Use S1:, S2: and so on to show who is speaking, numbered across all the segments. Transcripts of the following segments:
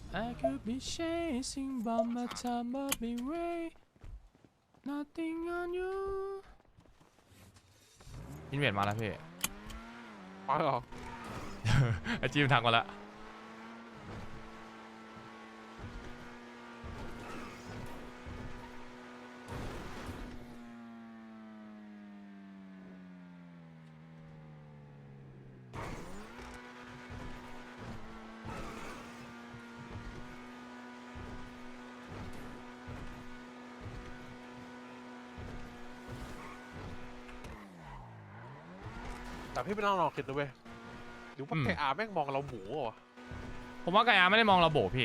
S1: I could be chasing but my time will be way nothing on you อินเวดมาแล้วพี่
S2: มาเหรอ
S1: ไอจีมทักมาแล้ว
S2: แต่พี่ไม่ต้องลองคิดดูเว้ยหรือว่าไก่อาแม่งมองเราหมูเหรอ
S1: ผมว่าไกอาไม่ได้มองเราโบพี่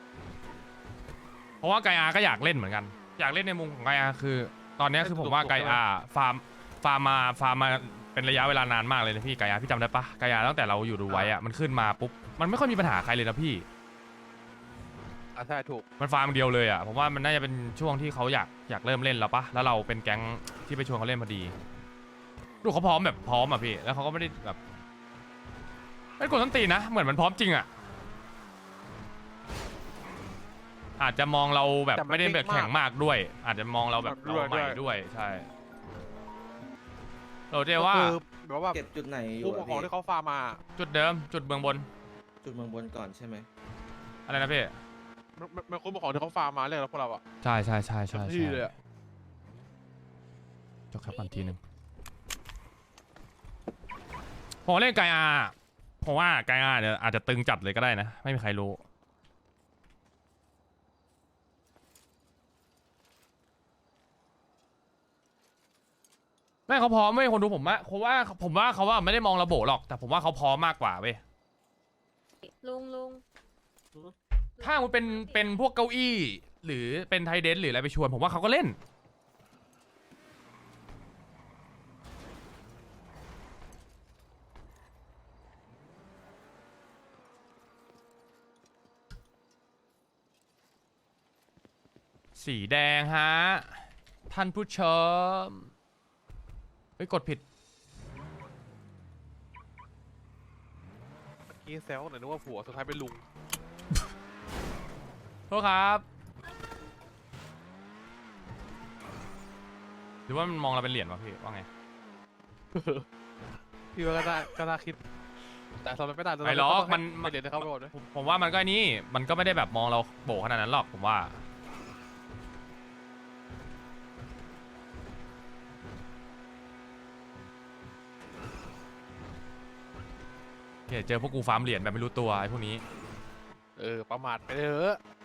S1: เพราะว่าไกอาก็อยากเล่นเหมือนกันอยากเล่นในมุมของไกอาคือตอนนี้คือผมว่าไกอาฟาร์มมาเป็นระยะเวลานานมากเลยนะพี่ไกอาพี่จำได้ปะไกอาตั้งแต่เราอยู่ดูไว้อะมันขึ้นมาปุ๊บมันไม่ค่อยมีปัญหาใครเลยนะพี่
S2: ใช่ถูก
S1: มันฟาร์มเดียวเลยอะผมว่ามันน่าจะเป็นช่วงที่เขาอยากเริ่มเล่นแล้วปะแล้วเราเป็นแก๊งที่ไปชวนเขาเล่นพอดีดูเขาพร้อมแบบพร้อมอะพี่แล้วเขาก็ไม่ได้แบบไม่กดต้นตีนะเหมือนมันพร้อมจริงอะอาจจะมองเราแบบไม่ได้แบบแข็งมากด้วย อาจจะมองเราแบบเราใหม่ด้วยใช่เราเรียกว่า
S2: คือแบบว่า
S3: เก็บจุดไหนอ
S2: ผู้
S3: ยู่
S2: ป
S3: อะ
S2: กครอง
S3: พี่
S2: ที่เขาฟาร์มมา
S1: จุดเดิมจุดเมืองบน
S3: จุดเมืองบนก่อนใช่ไหม
S1: อะไรนะพี่
S2: มันคุณปกครองที่เขาฟาร์มมาเรียกแล้วพวกเราอะ
S1: ใช่ใช่
S2: ที่เลยอะ
S1: จบครับกันทีหนึ่งผมเล่นไกอาผมว่าไกอาเนี่ยอาจจะตึงจัดเลยก็ได้นะไม่มีใครรู้ไม่เขาพร้อมไม่คนดูผมว่าผมว่าเขาว่าไม่ได้มองระบบหรอกแต่ผมว่าเขาพร้อมมากกว่าเว้ย
S4: ลุง
S1: ถ้ามันเป็นพวกเก้าอี้หรือเป็นไทเดนหรืออะไรไปชวนผมว่าเขาก็เล่นสีแดงฮะท่านผู้ชมเฮ้ยกดผิด
S2: กี้เซลหน่อยนึกว่าผัวสุดท้ายเป็นลุง
S1: โทษครับหรือว่ามันมองเราเป็นเหรียญวะพี่ว่าไง
S2: พี่ว่าก็น่าคิด แต่สำหรับไม่ได้
S1: ไม่หรอกมัน
S2: ไม่เรียนเขาไปหมดเลย
S1: ผมว่ามันก็นี่มันก็ไม่ได้แบบมองเราโบขนาดนั้นหรอกผมว่าโอเคเจอพวกกูฟาร์มเหรียญแบบไม่รู้ตัวไอ้พวกนี้
S2: ประมาทไปเถอะ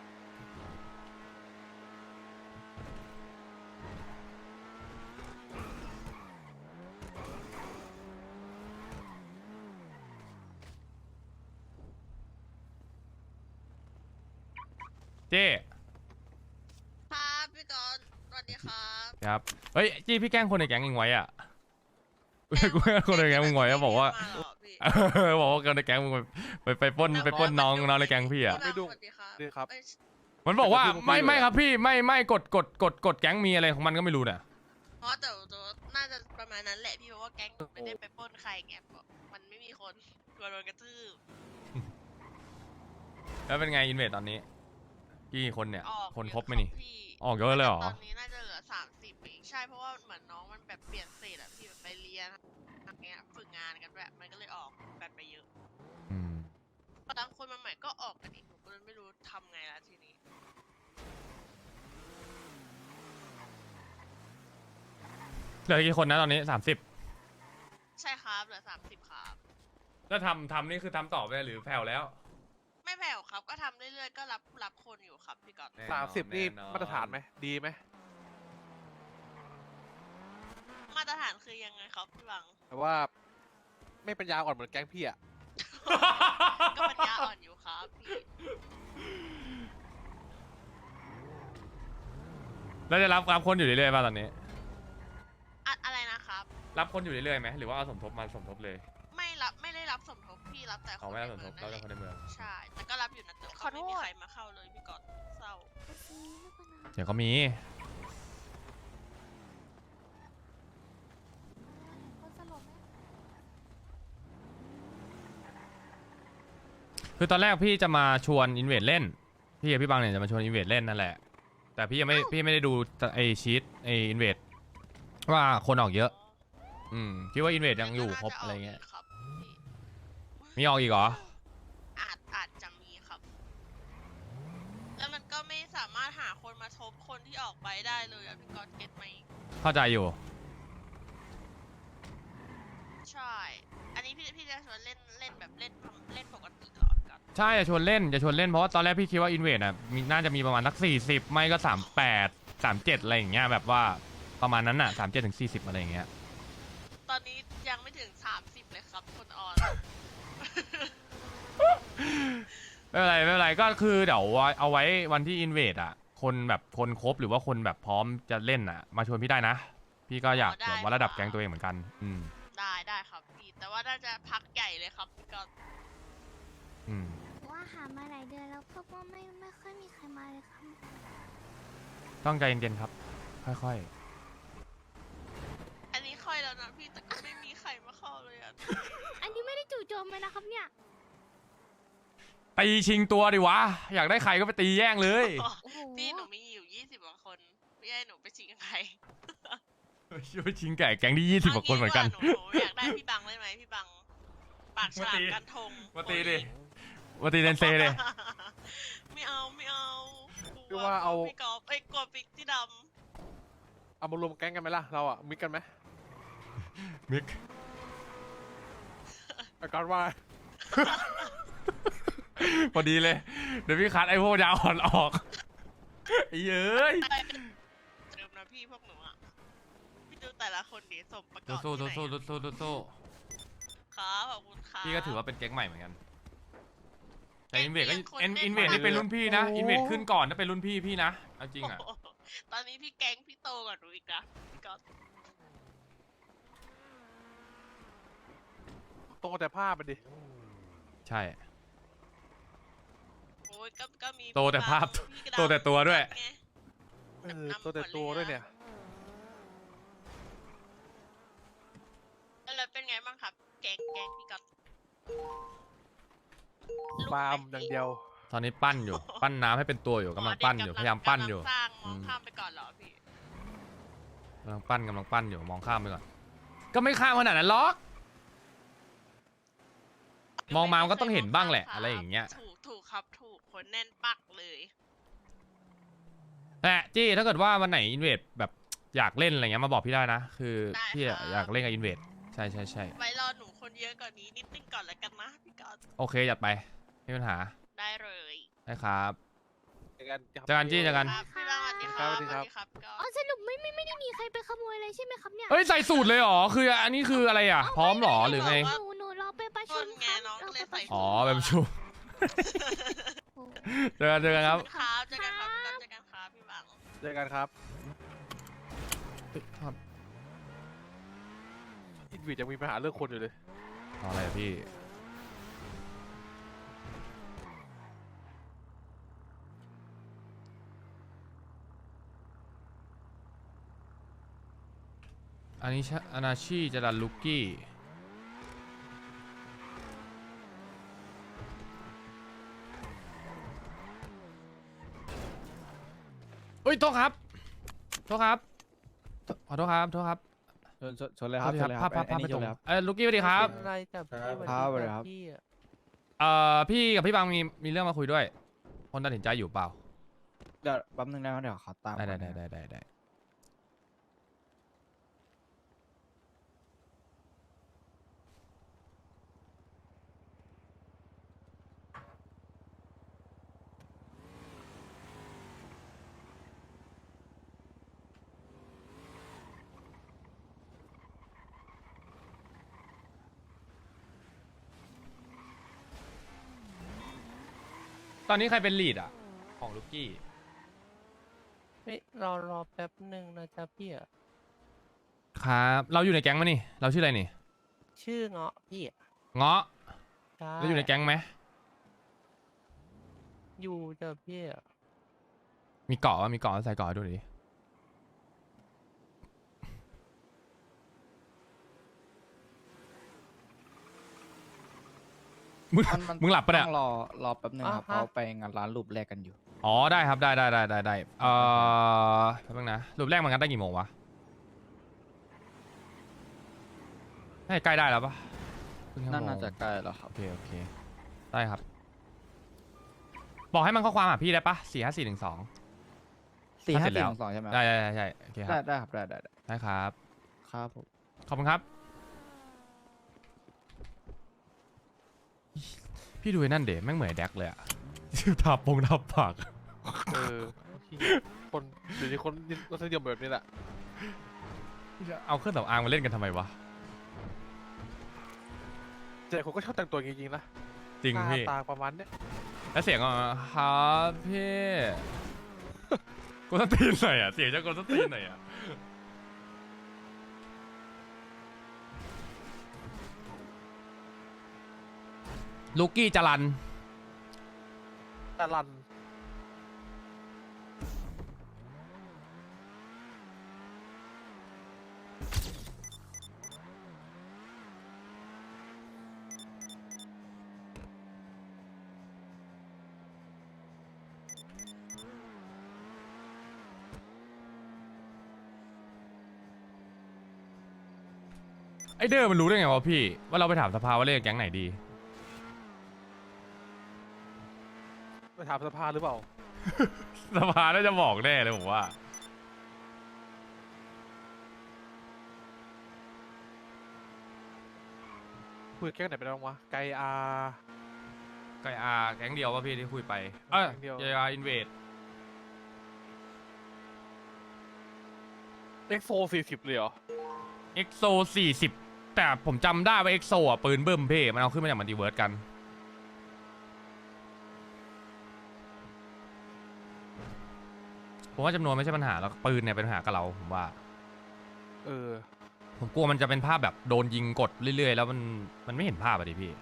S1: เจ้
S4: ครับพี่กอนสวัสดีครับ
S1: ครับเฮ้ยจี้พี่แกล้งคนในแก๊งเองไว้อะกูแกล้งคนในแก๊งมึงไว้อะบอกว่า
S4: มาเหรอพี่
S1: บอกว่าคนในแก๊งมึงไปปล้นน้องในแก๊งพี่อะ
S4: พี่บังสวัสดีครับ
S2: นี่ครับ
S4: เอ้ย
S1: มันบอกว่าไม่ครับพี่ไม่กดแก๊งมีอะไรของมันก็ไม่รู้เนี่ย
S4: เพราะแต่น่าจะประมาณนั้นแหละพี่เพราะว่าแก๊งหนูไม่ได้ไปปล้นใครไงเพราะมันไม่มีคนกลัวโดนกระทืบ
S1: แล้วเป็นไงอินเวสตอนนี้กี่คนเนี่ย
S4: ออก
S1: คนครบไหมนี่
S4: พี่
S1: ออกเยอะเลยเหรอ
S4: ตอนนี้น่าจะเหลือ30เองใช่เพราะว่าเหมือนน้องมันแบบเปลี่ยนเสร็จอะพี่แบบไปเรียนอย่างเงี้ยฝึกงานกันแบบมันก็เลยออกกันไปเยอะ
S1: อืม
S4: บางคนมาใหม่ก็ออกกันอีกหนูก็เลยไม่รู้ทำไงละทีนี้
S1: เหลือกี่คนนะตอนนี้30
S4: ใช่ครับเหลือ30ครับ
S1: แล้วทำนี่คือทำต่อไปหรือแผ่วแล้ว
S4: ไม่แผ่วครับก็ทำเรื่อยๆก็รับคนอยู่ครับพี่ก๊อต
S2: 30นี่มาตรฐานไหมดีไหม
S4: มาตรฐานคือยังไงครับพี่บัง
S2: แต่ว่าไม่ปัญญาอ่อนเหมือนแก๊งพี่อะ
S4: ก็ปัญญาอ่อนอยู่ครับพี่
S1: แล้วจะรับคนอยู่เรื่อยๆป่ะตอนนี้
S4: อะไรนะครับ
S1: รับคนอยู่เรื่อยๆไหมหรือว่าเอาสมทบมาสมทบเลย
S4: ไม่ได้รับสมทบพี่รับแต่ค
S1: เอา
S4: น
S1: ไม่
S4: ใน
S1: เอาสม
S4: เมื
S1: ท
S4: อบ ง
S1: เรา
S4: นั่นแห
S1: จะ
S4: ละ
S1: คนในเมือง
S4: ใช่แต่ก็รับอยู่นะแต่ก็ไม่มีใครมาเข้าเลยพี่ก๊อตเศร้า
S1: เดี๋ยวก็มี คือตอนแรกพี่จะมาชวนอินเวดเล่นพี่กับพี่บังเนี่ยจะมาชวนอินเวดเล่นนั่นแหละ แต่พี่ยังไม่พี่ไม่ได้ดูไอชีตไออินเวดว่าคนออกเยอะ คิดว่าอินเวดยังอยู่ครบอะไรเงี้ย
S4: ครับพี่
S1: มีออกอีกเหรอ
S4: อาจจะมีครับ แล้วมันก็ไม่สามารถหาคนมาทบคนที่ออกไปได้เลยอะพี่ก๊อตเก็ตไหม
S1: เข้าใจอยู่
S4: ใช่ อันนี้พี่จะชวนเล่นแบบเล่นปกติเหรอพี่ก๊อต
S1: ใช่จะชวนเล่นเพราะว่าตอนแรกพี่คิดว่าอินเวดอ่ะน่าจะมีประมาณสัก40ไม่ก็38 37อะไรอย่างเงี้ยแบบว่าประมาณนั้นอ่ะ37 ถึง 40อะไรอย่างเงี้ย
S4: ตอนนี้ยังไม่ถึง30เลยครับคนออน
S1: ไม่เป็นไรก็คือเดี๋ยวเอาไว้วันที่อินเวดอ่ะคนแบบคนครบหรือว่าคนแบบพร้อมจะเล่นอ่ะมาชวนพี่ได้นะ พี่ก็อยาก
S4: ได้
S1: แบบว่าระดับแก๊งตัวเองเหมือนกัน
S4: ได้ครับพี่ แต่ว่าน่าจะพักใหญ่เลยครับพี่ก๊อต
S1: อืม
S5: ว่าหามาหลายเดือนแล้วพบว่าไม่ค่อยมีใครมาเลยครับ
S1: ต้องใจเย็นๆครับ ค่อย
S4: อันนี้ค่อยแล้วนะพี่แต่ก็ไม่มีใครมาเข้าเลยอะ
S5: อันนี้ไม่ได้จู่โจมเลยนะครับเนี่ย
S1: ๆตีชิงตัวดิวะอยากได้ใครก็ไปตีแย่งเลย
S5: โอ้โห
S4: พี่หนูมีอยู่20กว่าคนพี่ให้หนูไปชิงใคร
S1: ไปชิงแก่แก๊งที่20กว่าคนเหมือนกัน
S4: หนูอยากได้พี่บังได้ไหมพี่บัง ปากฉลามกันทง
S1: มาตีดิ มาตีเดนเซเลย
S4: ไม่เอาก
S2: พี่
S4: ลัว
S2: ว่าเอา
S4: พี่กอล์ฟกลัวปิ๊กที่ด
S2: เอามารวมแก๊งกันไหมล่ะเราอ่ะมิกกันไหม
S1: มิก
S2: อาการว่า
S1: พอดีเลย เดี๋ยวพี่คัดไอ้พวกยาอ่อนออกไอ้เย้ย
S4: ำเดิมนะพี่พวกหนูอะพี่ดูแต่ละคนดีสมประกอบ
S1: สู้
S4: ที่ไหน
S1: สู้
S4: อะ
S1: สู้
S4: ครับขอบคุณครับ
S1: พี่ก็ถือว่าเป็นแก๊งใหม่เหมือนกัน แต่อินเวดก็
S4: แก๊งที่ยังคน
S1: อินเวด
S4: เล่น
S1: นี่เป็นรุ่นพี่นะ
S2: โอ้
S1: อินเวดขึ้นก่อนถ้าเป็นรุ่นพี่นะเอาจริงอ่ะ
S4: โโหตอนนี้พี่แก๊งพี่โตกว่าหนูอีกนะพี่ก๊อฟ
S2: โตแต่ผ้าไปดิ
S1: ใช่
S4: โอ้ยก็มี
S1: โตแต่ภาพ
S4: พี่กระด
S1: โตแต่ตัวด้วย
S4: ไง
S2: โตแต่ตัวด้วยเนี่ย
S4: แล้วเป็นไงบ้างครับ แก๊งพี่ก๊อฟ
S2: ฟาร์มอย่างเดียว
S1: ตอนนี้ปั้นอยู่ ปั้นน้ำให้เป็นตัวอยู่กำลังปั้นอยู่พยายามปั้นอยู่
S4: กำลังสร้างมองข้ามไปก่อนเหรอพี่
S1: กำลังปั้นอยู่มองข้ามไปก่อน ก็ไม่ข้ามขนาดนั้นหรอก มองมามันก็ต้องเห็นบ้างแหละอะไรอย่างเงี้ย
S4: ถูกครับถูกคนแน่นปักเลย
S1: แต่จี้ถ้าเกิดว่าวันไหนอินเวดแบบอยากเล่นอะไรเงี้ยมาบอกพี่ได้นะ คือ
S4: ได้
S1: พี่
S4: ครับ
S1: อยากเล่นกับอินเวดใช่
S4: ไว้รอหนูคนเยอะกว่านี้นิดนึงก่อนแล้วกันนะพี่ก๊อฟ
S1: โอเคจัดไปไม่มีปัญหา
S4: ได้เลย
S1: ได้ครับ
S2: เจอกัน
S1: เจอกันจี้เจอกัน
S4: ครับพี่บ้างสวัสดีครับ
S2: สวัสดีครับ
S4: ครับพี่ก๊อฟ
S5: อ๋อสรุปไม่ได้มีใครไปขโมยเลยใช่ไหมครับเนี่ย
S1: เฮ้ยใส่สูตรเลยเหรอคืออันนี้คืออะไรอ่ะ พร้อมเหรอหรือไง
S5: หนูรอไปประชุม
S4: ต้นไง
S5: ครับ
S4: น้องก็เลยใส่
S1: อ๋อแบบประชุม
S5: โอ้โห
S1: เจอกันครับ
S4: ครับเจอกันครับพี่ก๊อฟเจอกันครับพี่บัง
S2: เจอกันครับ
S1: ครับ
S2: อินวิดยังมีปัญหาเรื่องคนอยู่เลย
S1: เอาอะไรอะพี่อันนี้อนาชีจะดันลุกกี้เฮ้ยโทษครับขอโทษครับ
S6: ชนเลยครับ
S1: โทษที
S6: ชนเลยครับ
S1: ภาพ
S6: อันนี้
S1: ไม่
S6: ช
S1: ตร
S6: น
S1: ง
S6: เลยครับ
S1: ลุกกี้สวัสดีครับ
S7: เป็นไรจับพี่
S6: ครับสวัสดีครับ
S7: พี่อะ
S1: พี่กับพี่บางมีเรื่องมาคุยด้วย คนตัดสินใจอยู่เปล่า
S6: เดี๋ยวแป๊บนึงนะครับเดี๋ยวขอตาม
S1: ได้
S6: ก่อนนะครับ
S1: ได้ตอนนี้ใครเป็นลีดอ่ะ ของลุกกี้
S7: เฮ้ยรอแป๊บหนึ่งนะจ๊ะพี่อะ
S1: ครับ เราอยู่ในแก๊งไหมนี่ เราชื่ออะไรนี่
S7: ชื่อเงาะพี่อะ
S1: เงาะ
S7: ใช่
S1: เราอยู่ในแก๊งไหม
S7: อยู่จ้ะพี่อะ
S1: มีเกาะวะมีเกาะใส่เกาะให้ดูหน่อยดิ
S6: มัน
S1: มึงหลับปะเนี่ย
S6: ต้องรอแป๊บนึงครับ
S7: อ่าฮะ
S6: เขาไปงานร้านรูปแรกกันอยู่
S1: อ๋อได้ครับได้แป๊บนึงนะรูปแรกมันกันได้กี่โมงวะให้ใกล้ได้แล้วปะครึ่งชั่วโมง
S6: น่าจะใกล้แล้วครับ
S1: โอเคได้ครับ บอกให้มันข้อความหาพี่ได้ปะ45412
S6: 4 5
S1: เสร็จแล้ว
S6: 4 2ใช่ไหม
S1: ได้ใช่โอเคครับ
S6: ได้ครับได้
S1: ได้ครับ
S6: ครับผม
S1: ขอบคุณครับ พี่ดูไอ้นั่นเด๋แม่งเหมือนไอ้แดกเลยอะ ทาปาก
S2: เออคนเดี๋ยวนี้คนรสนิยมแบบนี้แหละ
S1: เอาเครื่องสำอางมาเล่นกันทำไมวะ
S2: แต่คนก็ชอบแต่งตัวจริงๆนะ
S1: จริง
S2: หน้า
S1: พี่
S2: ตาประมาณเนี้ย
S1: แล้วเสียงอ่ะครับพี่ กูต้องตีนหน่อยอ่ะ เสียงจะกูต้องตีนหน่อยอ่ะ ลูกี้จรัน
S2: ตาลัน
S1: ไอเดอร์มันรู้ได้ไงวะพี่ ว่าเราไปถามสภาว่าเล่นกับแก๊งไหนดี
S2: ไปถามสภาหรือเปล่า
S1: สภาน่าจะบอกแน่เลยผมว่า
S2: คุยกับแก๊งไหนไปแล้วบ้างวะไกอา
S1: ไกอาแก๊งเดียวป่ะพี่ที่คุยไป
S2: แก๊งเดียว
S1: ไกอาอินเวด
S2: เอ็กโซ40เลยเหรอ
S1: เอ็กโซ40 แต่ผมจำได้ว่าเอ็กโซอ่ะปืนเบิ่มเพ่มันเอาขึ้นมาจากมัลติเวิร์สกัน ผมว่าจำนวนไม่ใช่ปัญหาแล้วปืนเนี่ยเป็นปัญหากับเราผมว่า
S2: เออ
S1: ผมกลัวมันจะเป็นภาพแบบโดนยิงกดเรื่อยๆ แล้วมันไม่เห็นภาพอะดิพี่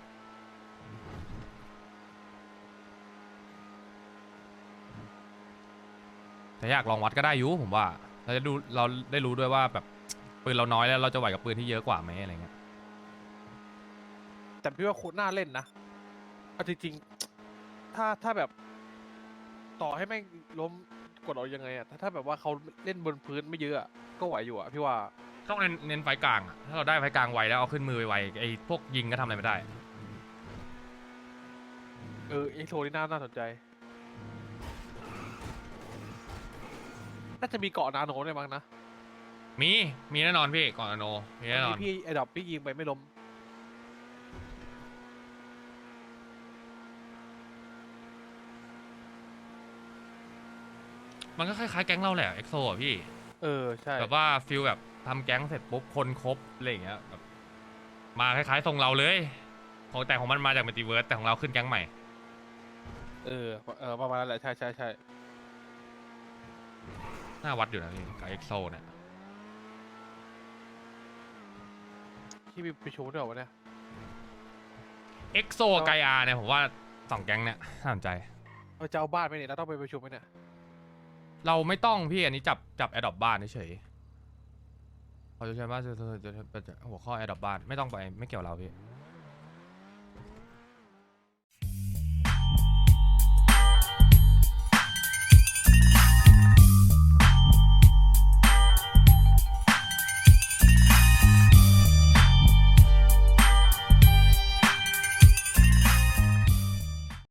S1: แต่อยากลองวัดก็ได้อยุผมว่าเราได้รู้ด้วยว่าแบบปืนเราน้อยแล้วเราจะไหวกับปืนที่เยอะกว่าไหมอะไรเงี้ย
S2: แต่พี่ว่าโคตรน่าเล่นนะเอาจริงๆถ้าแบบ ต่อให้แม่งล้มกดเอายังไงอะถ้าแบบว่าเขาเล่นบนพื้นไม่เยอะอะก็ไหวอยู่อะพี่ว่า
S1: ต้องเน้นไฟกลางอะถ้าเราได้ไฟกลางไวแล้วเอาขึ้นมือไวๆไอ้พวกยิงก็ทำอะไรไม่ได้
S2: เออเอ็กโซนี่น่าสนใจ น่าจะมีเกาะนาโนด้วยมั้งนะ
S1: มีแน่นอนพี่ก่อนอโนมีแน่นอน
S2: พี่ไอ้ดอกพี่ยิงไปไม่ล้ม
S1: มันก็คล้ายๆแก๊งเราแหละเอ็กโซอ่ะพี่
S2: เออใช่
S1: แบบว่าฟิลแบบทำแก๊งเสร็จปุ๊บคนครบอะไรอย่างเงี้ยแบบมาคล้ายๆทรงเราเลยแต่ของมันมาจากมัลติเวิร์สแต่ของเราขึ้นแก๊งใหม่
S2: เออประมาณนั้นแหละใช่
S1: น่าวัดอยู่นะพี่กับเอ็กโซเนี่ย
S2: ที่มีประชุมด้วยเหรอวะเนี่ย
S1: เอ็กโซไกอาเนี่ยผมว่า2แก๊งเนี่ยน่าสนใจ
S2: เราจะเอาบ้านไปเนี่ยเราต้องไปประชุมไหมเนี่ย
S1: เราไม่ต้องพี่อันนี้จับแอดดอปบ้านเฉยๆเขาจะใช้ว่าจะหัวข้อแอดดอปบ้านไม่ต้องไปไม่เกี่ยวเราพี่